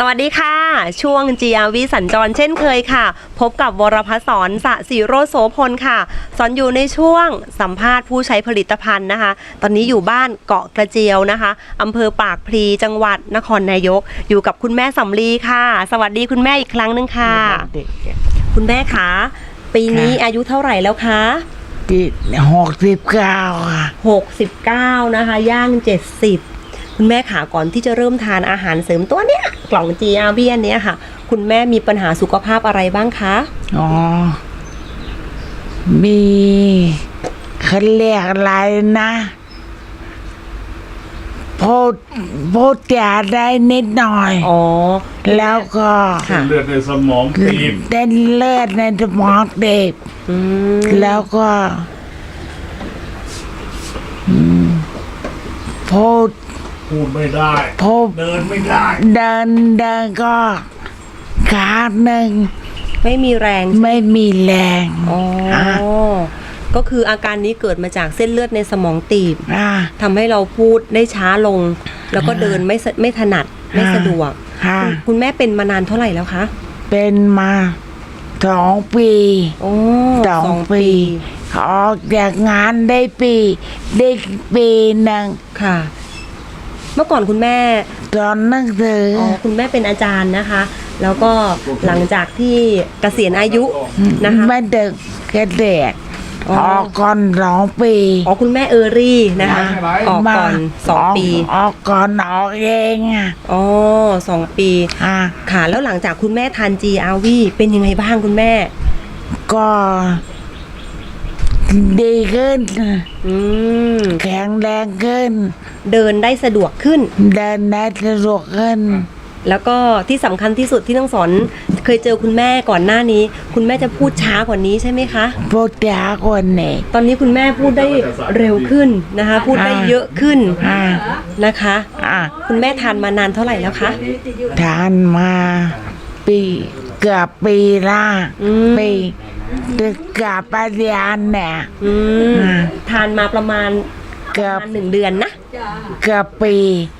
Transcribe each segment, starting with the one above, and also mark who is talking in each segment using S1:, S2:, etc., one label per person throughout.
S1: สวัสดีค่ะช่วง GRV สัญจรเช่นเคยค่ะพบกับวรพัฒน์สอนสศิโรจน์โสพลค่ะสอนอยู่ในช่วงสัมภาษณ์ผู้ใช้ผลิตภัณฑ์นะคะตอนนี้อยู่บ้านเกาะกระเจียวนะคะอำเภอปากพลีจังหวัดนครนายกอยู่กับคุณแม่สำลีค่ะสวัสดีคุณแม่อีกครั้งหนึ่งค่ะคุณแม่คะปีนี้อายุเท่าไหร่แล้วคะ
S2: 69ค่ะ
S1: 69นะคะย่าง70คุณแม่ขาก่อนที่จะเริ่มทานอาหารเสริมตัวเนี้ยกล่อง GRV อันเนี้ยค่ะคุณแม่มีปัญหาสุขภาพอะไรบ้างคะ
S2: มีเขาเรียกอะไรนะพูดจาได้นิดหน่อยแล้วก็
S3: เลือดในสมองตีบ
S2: เต้นเลือดในสมองตีบแล้วก็พูด
S3: ไม่ได้เดินไม่ได้
S2: เดินก็ขาหนึ่ง
S1: ไม่มีแรง
S2: ไม่มีแรง
S1: ก็คืออาการนี้เกิดมาจากเส้นเลือดในสมองตีบทำให้เราพูดได้ช้าลงแล้วก็เดินไม่ถนัดไม่สะดวกคุณแม่เป็นมานานเท่าไหร่แล้วคะ
S2: เป็นมา2 ปี2 ปีออกจากงานได้ปีหนึ่ง
S1: ค่ะเมื่อก่อนคุณแม่
S2: สอนหนังสือ
S1: คุณแม่เป็นอาจารย์นะคะแล้วก็หลังจากที่เกษียณอายุนะคะ
S2: ไม่เด็กเกษียณออกก่อน2 ปี
S1: คุณแม่รี่นะคะออกก่อน2 ปี
S2: ออกก่อนออกเอง
S1: 2 ปีค่ะแล้วหลังจากคุณแม่ทาน GRV เป็นยังไงบ้างคุณแม่
S2: ก็ดีขึ้นแข็งแรงขึ้น
S1: เดินได้สะดวกขึ้นแล้วก็ที่สำคัญที่สุดที่น้องสอนเคยเจอคุณแม่ก่อนหน้านี้คุณแม่จะพูดช้ากว่านี้ใช่ไหมคะ
S2: พูดช้ากว่านี้
S1: ตอนนี้คุณแม่พูดได้เร็วขึ้นนะคะพูดได้เยอะขึ้นนะคะคุณแม่ทานมานานเท่าไหร่แล้วคะ
S2: ทานมาเกือบปีละปีกับปัญญาเนี่ย
S1: ทานมาประมาณ
S2: เกือบ
S1: 1 เดือนนะ
S2: เกือบปี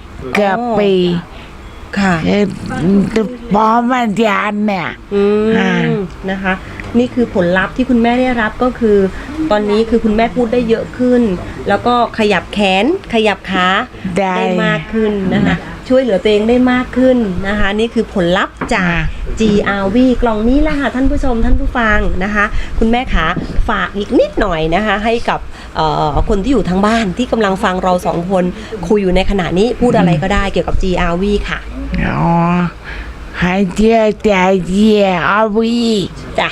S1: ค่ะ
S2: พอปัญญาเนี่ย
S1: นะคะนี่คือผลลัพธ์ที่คุณแม่ได้รับก็คือตอนนี้คือคุณแม่พูดได้เยอะขึ้นแล้วก็ขยับแขนขยับขาได้มากขึ้นนะคะช่วยเหลือตัวเองได้มากขึ้นนะคะนี่คือผลลัพธ์จาก GRV กล่องนี้แหละค่ะท่านผู้ชมท่านผู้ฟังนะคะคุณแม่ขาฝากอีกนิดหน่อยนะคะให้กับคนที่อยู่ทางบ้านที่กำลังฟังเรา2 คนคุยอยู่ในขณะนี้พูดอะไรก็ได้เกี่ยวกับ GRV ค่ะ
S2: ให้เชื่อใจ GRV
S1: จ้ะ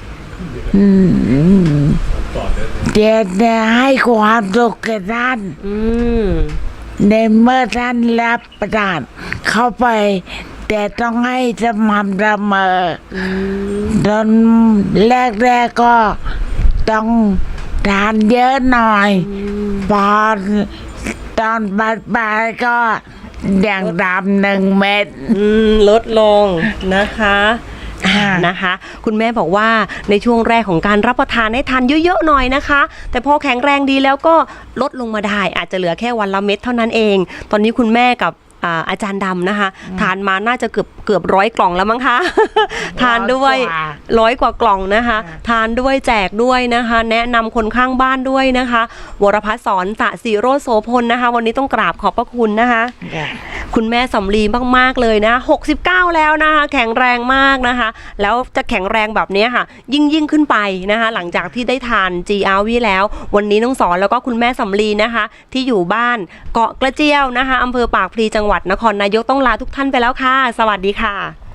S2: จะให้ความสุขแก่ท่านในเมื่อท่านรับประทานเข้าไปแต่ต้องให้สม่ำเสมอตอนแรกก็ต้องทานเยอะหน่อยพอตอนปลายก็อย่างดำ1 เม็ด
S1: ลดลงนะคะคุณแม่บอกว่าในช่วงแรกของการรับประทานให้ทานเยอะๆหน่อยนะคะแต่พอแข็งแรงดีแล้วก็ลดลงมาได้อาจจะเหลือแค่วันละเม็ดเท่านั้นเองตอนนี้คุณแม่กับอาจารย์ดำนะคะทานมาน่าจะเกือบ100 กล่องแล้วมั้งคะทานด้วย100 กว่ากล่องนะคะทานด้วยแจกด้วยนะคะแนะนำคนข้างบ้านด้วยนะคะวรพัฒน์สอนสศิโรจน์โสพลนะคะวันนี้ต้องกราบขอบพระคุณนะคะคุณแม่สำลีมากๆเลยนะ69แล้วนะคะแข็งแรงมากนะคะแล้วจะแข็งแรงแบบนี้ค่ะยิ่งขึ้นไปนะคะหลังจากที่ได้ทาน GRV แล้ววันนี้น้องสอนแล้วก็คุณแม่สำลีนะคะที่อยู่บ้านเกาะกระเจียวนะคะอำเภอปากพลีจังหวัดนครนายกต้องลาทุกท่านไปแล้วค่ะสวัสดีค่ะ